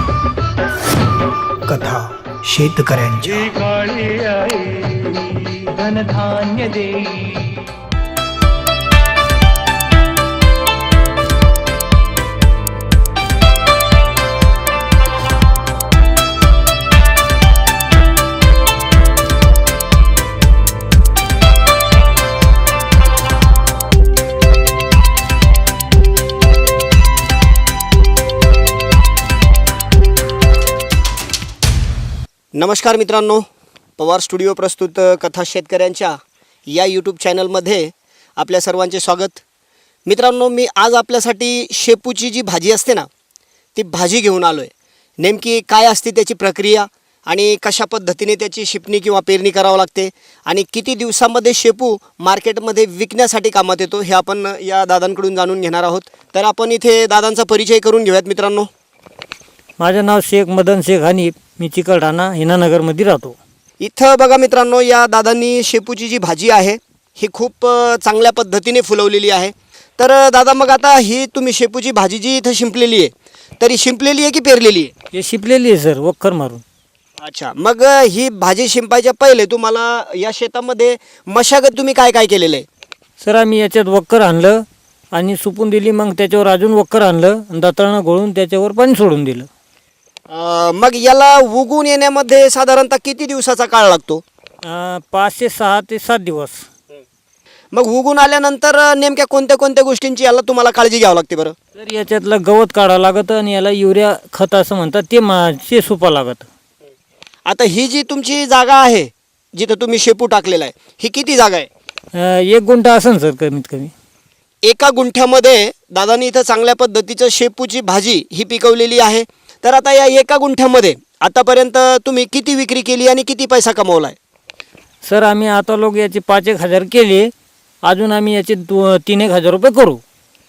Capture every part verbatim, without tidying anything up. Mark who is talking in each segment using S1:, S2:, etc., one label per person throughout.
S1: कथा शेतकऱ्यांच्या.
S2: काळी आई धनधान्य देई.
S3: नमस्कार मित्रांनो, पवार स्टुडिओ प्रस्तुत कथा शेतकऱ्यांच्या या यूट्यूब चॅनलमध्ये आपल्या सर्वांचे स्वागत. मित्रांनो, मी आज आपल्यासाठी शेपूची जी भाजी असते ना, ती भाजी घेऊन आलो आहे. नेमकी काय असते त्याची प्रक्रिया आणि कशा पद्धतीने त्याची शिपणी किंवा पेरणी करावं लागते आणि किती दिवसामध्ये शेपू मार्केटमध्ये विकण्यासाठी कामात येतो हे आपण या दादांकडून जाणून घेणार आहोत. तर आपण इथे दादांचा परिचय करून घेऊयात मित्रांनो.
S4: माझं नाव शेख मदन शेख हनीफ, मी चिकलठाणा हिनानगरमध्ये राहतो.
S3: इथं बघा मित्रांनो, या दादांनी शेपूची जी भाजी आहे ही खूप चांगल्या पद्धतीने फुलवलेली आहे. तर दादा, मग आता ही तुम्ही शेपूची भाजी जी इथं शिंपलेली आहे, तरी शिंपलेली आहे की पेरलेली आहे?
S4: हे शिपलेली आहे सर, वक्कर मारून.
S3: अच्छा, मग ही भाजी शिंपायच्या पहिले तुम्हाला या शेतामध्ये मशागत तुम्ही काय काय केलेलं आहे?
S4: सर, आम्ही याच्यात वक्कर आणलं आणि सुपून दिली, मग त्याच्यावर अजून वक्कर आणलं आणि दाताळणं गोळून त्याच्यावर पाणी सोडून दिलं.
S3: मग याला उगून येण्यामध्ये साधारणतः किती दिवसाचा काळ लागतो?
S4: अं, पाच ते सहा ते सात दिवस.
S3: मग उगून आल्यानंतर नेमक्या कोणत्या कोणत्या गोष्टींची याला तुम्हाला काळजी घ्यावी लागते बरं?
S4: तर याच्यातलं गवत काढावं लागतं आणि याला युरिया खत असं म्हणतात, ते मासे सुपा लागतं.
S3: आता ही जी तुमची जागा आहे जिथं तुम्ही शेपू टाकलेला आहे, ही किती जागा आहे?
S4: अं, एक गुंठा असेल सर कमीत कमी.
S3: एका गुंठ्यामध्ये दादांनी इथं चांगल्या पद्धतीचं शेपूची भाजी ही पिकवलेली आहे. तर आता या एका गुंठ्यामध्ये आतापर्यंत तुम्ही किती विक्री केली आणि किती पैसा कमवला आहे?
S4: सर, आम्ही आता लोक याचे पाच एक हजार केले, अजून आम्ही याचे दो तीन एक हजार रुपये करू.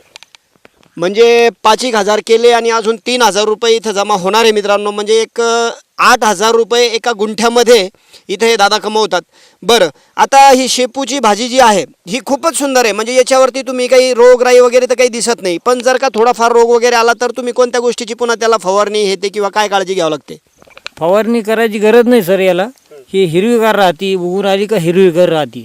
S3: म्हणजे पाच एक हजार केले आणि अजून तीन हजार रुपये इथं जमा होणार आहे मित्रांनो. म्हणजे एक आठ हजार रुपये एका गुंठ्यामध्ये इथं हे दादा कमवतात. बरं, आता ही शेपूची भाजी जी आहे ही खूपच सुंदर आहे. म्हणजे याच्यावरती तुम्ही काही रोगराई वगैरे तर काही दिसत नाही, पण जर का थोडाफार रोग वगैरे आला तर तुम्ही कोणत्या गोष्टीची पुन्हा त्याला फवारणी हे ते किंवा काय काळजी घ्यावी लागते?
S4: फवारणी करायची गरज नाही सर याला. ही हिरवीगार राहते, उगून आली का हिरवीगार राहते.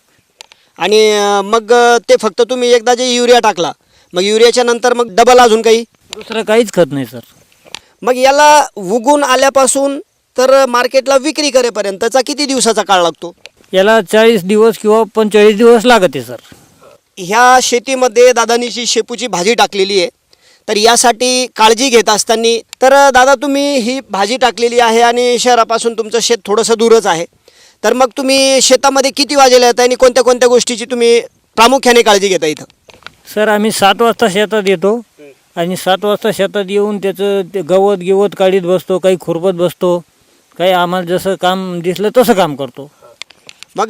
S3: आणि मग ते फक्त तुम्ही एकदा जे युरिया टाकला, मग युरियाच्या नंतर मग डबल अजून काही
S4: दुसरं काहीच खत नाही सर.
S3: मग याला उगून आल्यापासून तर मार्केटला विक्री करेपर्यंतचा किती दिवसाचा काळ लागतो?
S4: याला चाळीस दिवस किंवा पंचेचाळीस दिवस लागते सर.
S3: ह्या शेतीमध्ये दादांनी जी शेपूची भाजी टाकलेली आहे, तर यासाठी काळजी घेत असताना, तर दादा तुम्ही ही भाजी टाकलेली आहे आणि शहरापासून तुमचं शेत थोडंसं दूरच आहे, तर मग तुम्ही शेतामध्ये किती वाजेला येता आणि कोणत्या कोणत्या गोष्टीची तुम्ही प्रामुख्याने काळजी घेता इथं?
S4: सर, आम्ही सात वाजता शेतात येतो आणि सात वाजता शेतात येऊन त्याचं ते गवत गिवत काढीत बसतो, काही खुरपत बसतो, काही आम्हाला जसं काम दिसलं तसं काम करतो.
S3: मग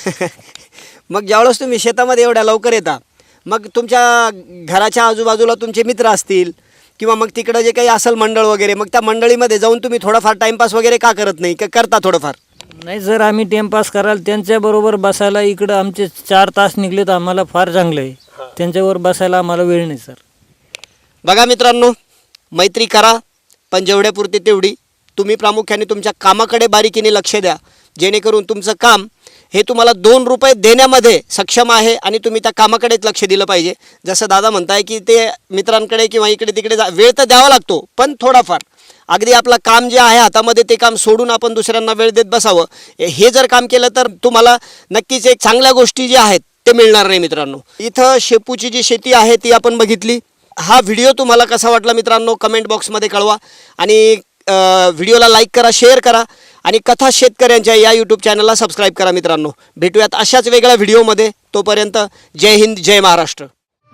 S3: मग ज्यावेळेस तुम्ही शेतामध्ये एवढ्या लवकर येता, मग तुमच्या घराच्या आजूबाजूला तुमचे मित्र असतील किंवा मग तिकडं जे काही असेल मंडळ वगैरे, मग त्या मंडळीमध्ये जाऊन तुम्ही थोडाफार टाईमपास वगैरे का करत नाही, का करता थोडंफार?
S4: नाही सर, आम्ही टाईमपास करायला त्यांच्याबरोबर बसायला इकडं आमचे चार तास निघले तर आम्हाला फार चांगलं आहे. त्यांच्यावर बसायला आम्हाला वेळ नाही सर.
S3: बघा मित्रांनो, मैत्री करा पण जेवढ्यापुरती तेवढी. तुम्ही प्रामुख्याने तुमच्या कामाकडे बारीकीने लक्ष द्या, जेणेकरून तुमचं काम हे तुम्हाला दोन रुपये देण्यामध्ये सक्षम आहे आणि तुम्ही त्या कामाकडेच लक्ष दिलं पाहिजे. जसं दादा म्हणताय की ते मित्रांकडे किंवा इकडे तिकडे जा वेळ तर द्यावा लागतो, पण थोडाफार अगदी आपलं काम जे आहे हातामध्ये ते काम सोडून आपण दुसऱ्यांना वेळ देत बसावं. हे जर काम केलं तर तुम्हाला नक्कीच एक चांगल्या गोष्टी ज्या आहेत ते मिळणार नाही मित्रांनो. इथं शेपूची जी शेती आहे ती आपण बघितली. हा व्हिडिओ तुम्हाला कसा वाटला मित्रांनो, कमेंट बॉक्समध्ये कळवा आणि व्हिडिओला लाईक करा, शेअर करा आणि कथा शेतकऱ्यांच्या या यूट्यूब चॅनलला सबस्क्राईब करा मित्रांनो. भेटूयात अशाच वेगळ्या व्हिडिओमध्ये. तोपर्यंत जय हिंद, जय महाराष्ट्र.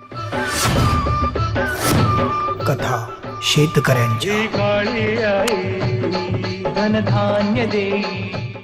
S1: कथा शेतकऱ्यांच्या.
S2: काळी आई धनधान्य देई.